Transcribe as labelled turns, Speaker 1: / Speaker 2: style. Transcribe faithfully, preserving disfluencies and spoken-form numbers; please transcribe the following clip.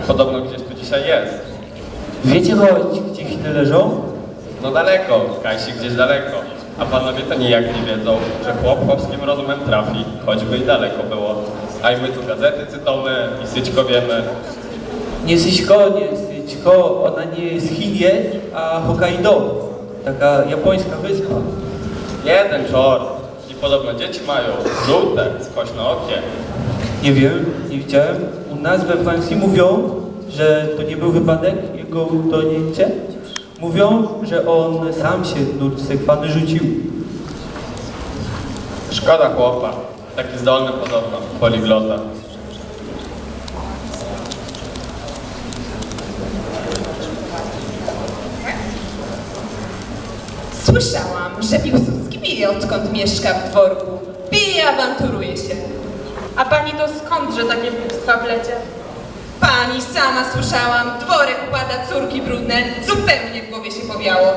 Speaker 1: Podobno gdzieś tu dzisiaj jest.
Speaker 2: Wiecie choć, gdzie Chiny leżą?
Speaker 1: No daleko, Kajsi gdzieś daleko. A panowie to nijak nie wiedzą, że chłop chłopskim rozumem trafi, choćby i daleko było. A i my tu gazety cytamy i syćko wiemy.
Speaker 2: Nie Syćko, nie Syćko, ona nie jest Chinie, a Hokkaido. Taka japońska wyspa.
Speaker 1: Jeden czort. I podobno dzieci mają żółte, skośnookie.
Speaker 2: Nie wiem, nie widziałem. U nas we Francji mówią, że to nie był wypadek, jego utonięcie. Mówią, że on sam się w nurt sekwany rzucił.
Speaker 1: Szkoda chłopa. Taki zdolny podobno, poliglota.
Speaker 3: Słyszałam, że Piłsudski pije, odkąd mieszka w dworku. Pije i awanturuje się.
Speaker 4: A pani to skądże takie głupstwa plecie?
Speaker 3: Pani sama słyszałam, dworek układa córki brudne, zupełnie w głowie się powiało.